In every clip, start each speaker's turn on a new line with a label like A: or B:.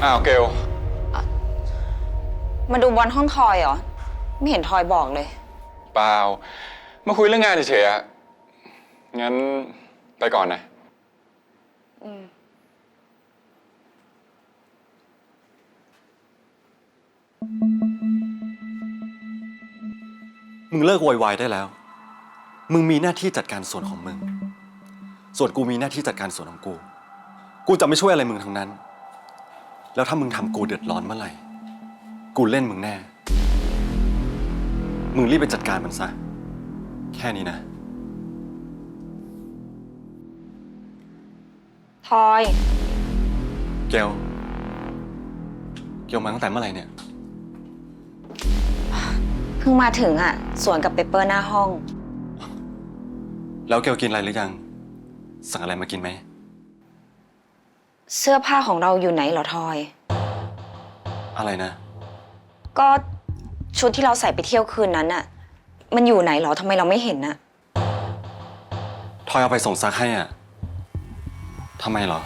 A: อ้าวเกล
B: มาดูบอลห้องทอยเหรอไม่เห็นทอยบอกเลย
A: เปล่ามาคุยเรื่องงานเฉยๆอะงั้นไปก่อนนะ
C: มึงเลิกโวยวายได้แล้วมึงมีหน้าที่จัดการส่วนของมึงส่วนกูมีหน้าที่จัดการส่วนของกูจะไม่ช่วยอะไรมึงทั้งนั้นแล้วถ้ามึงทำกูเดือดร้อนเมื่อไหร่กูเล่นมึงแน่มึงรีบไปจัดการมันซะแค่นี้นะ
B: ทอย
C: เกลมาตั้งแต่เมื่อไหร่เนี่ย
B: เพิ่งมาถึงอ่ะสวนกับเปเปอร์หน้าห้อง
C: แล้วเกลกินอะไรหรือยังสั่งอะไรมากินไหม
B: เสื้อผ้าของเราอยู่ไหนเหรอทอย
C: อะไรนะ
B: ก็ชุดที่เราใส่ไปเที่ยวคืนนั้นอ่ะมันอยู่ไหนเหรอทำไมเราไม่เห็นน่ะ
C: ทอยเอาไปส่งซักให้อ่ะทำไมเหรอ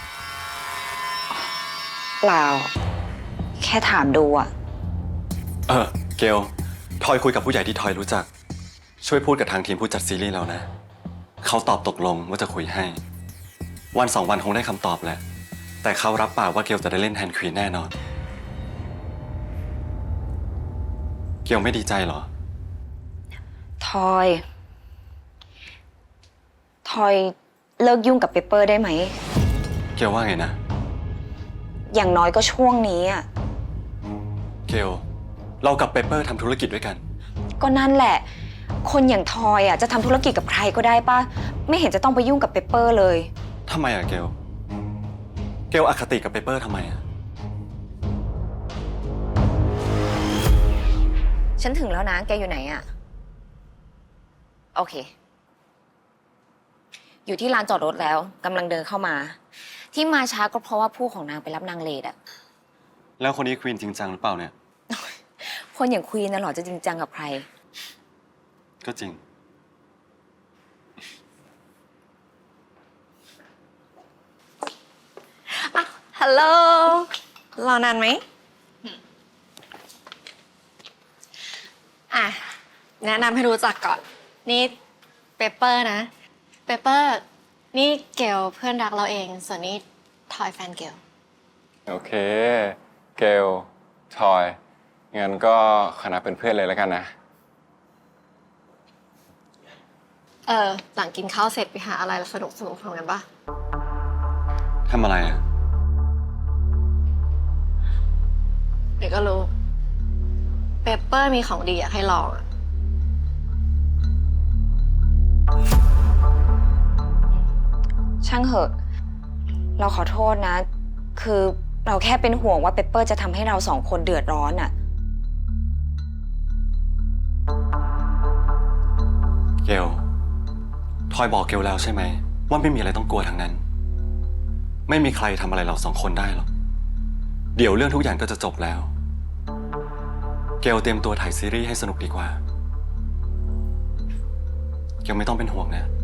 B: เปล่าแค่ถามดูอ่ะ
C: เกลทอยคุยกับผู้ใหญ่ที่ทอยรู้จักช่วยพูดกับทางทีมผู้จัดซีรีส์เรานะเขาตอบตกลงว่าจะคุยให้วัน2 วันคงได้คำตอบแหละแต่เขารับปากว่าเกลจะได้เล่นแทนควีนแน่นอนเกลไม่ดีใจเหรอ
B: ทอยเลิกยุ่งกับเปเปอร์ได้ไหม
C: เกลว่าไงนะ
B: อย่างน้อยก็ช่วงนี้อ่ะ
C: เกลเรากับเปเปอร์ทำธุรกิจด้วยกัน
B: ก็นั่นแหละคนอย่างทอยอ่ะจะทำธุรกิจกับใครก็ได้ป่ะไม่เห็นจะต้องไปยุ่งกับเปเปอร์เลย
C: ทำไมอะเกลอคติกับเปเปอร์ทำไมอะ
B: ฉันถึงแล้วนะแกอยู่ไหนอ่ะโอเคอยู่ที่ลานจอดรถแล้วกำลังเดินเข้ามาที่มาช้าก็เพราะว่าผู้ของนางไปรับนางเลดอ่ะ
C: แล้วคนนี้ควีนจริงจังหรือเปล่าเนี่ย
B: คนอย่างควีนน่ะหรอจะจริงจังกับใคร
C: ก็จริง
D: ฮัลโหลรอนานไหมแนะนำให้รู้จักก่อนนี่เปเปอร์นะเปเปอร์นี่เกลเพื่อนรักเราเองส่วนนี้ทอยแฟนเกล
A: โอเคเกลทอยงั้นก็คณะเป็นเพื่อนเลยแล้วกันนะ
D: หลังกินข้าวเสร็จไปหาอะไรสนุกทำกันปะ
C: ทำอะไรอะ
D: เดี๋ยวก็รู้เปเปอร์มีของดีอยากให้ลอง
B: ช่างเหอะเราขอโทษนะคือเราแค่เป็นห่วงว่าเปเปอร์จะทำให้เรา2 คนเดือดร้อนอ่ะ
C: เกลทอยบอกเกลแล้วใช่ไหมว่าไม่มีอะไรต้องกลัวทั้งนั้นไม่มีใครทำอะไรเรา2 คนได้หรอกเดี๋ยวเรื่องทุกอย่างก็จะจบแล้วเกลเตรียมตัวถ่ายซีรีส์ให้สนุกดีกว่าเกลไม่ต้องเป็นห่วงนะ